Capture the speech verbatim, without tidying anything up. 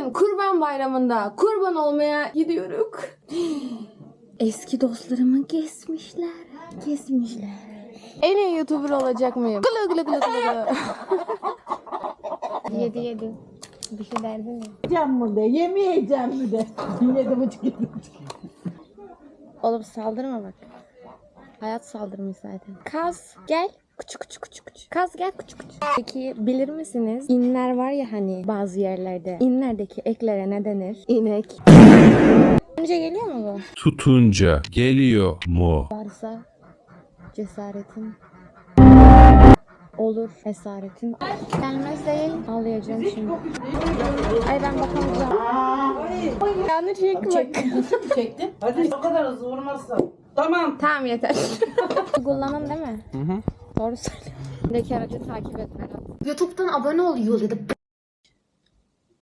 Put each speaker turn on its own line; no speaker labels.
bugün Kurban Bayramı'nda kurban olmaya gidiyoruz. Eski dostlarımı kesmişler. Kesmişler. En iyi YouTuber olacak mıyım? Gılı gılı gılı gılı gılı. Yedi yedi. Bir şey derdin mi?
Yiyeceğim mi de, yemeyeceğim mi de. Yedi buçuk, yedi buçuk.
Oğlum saldırma bak. Hayat saldırmış zaten. Kaz gel. Küçük küçük küçük küçük. Kaz gel küçük küçük. Peki bilir misiniz? İnler var ya hani bazı yerlerde. İnlerdeki eklere ne denir? İnek. Önce geliyor mu bu?
Tutunca geliyor mu?
Varsa cesaretin olur, esaretin gelmez değil. Ağlayacağım şimdi. Ay ben bakamayacağım. Yanı çekmek.
Çektim. Hadi o kadar hızlı vurmazsan. Tamam.
Tamam yeter. Kullanın değil mi? Hı hı. Doğru söylüyorum. Buradaki aracı takip et Berat. YouTube'dan abone ol yolu.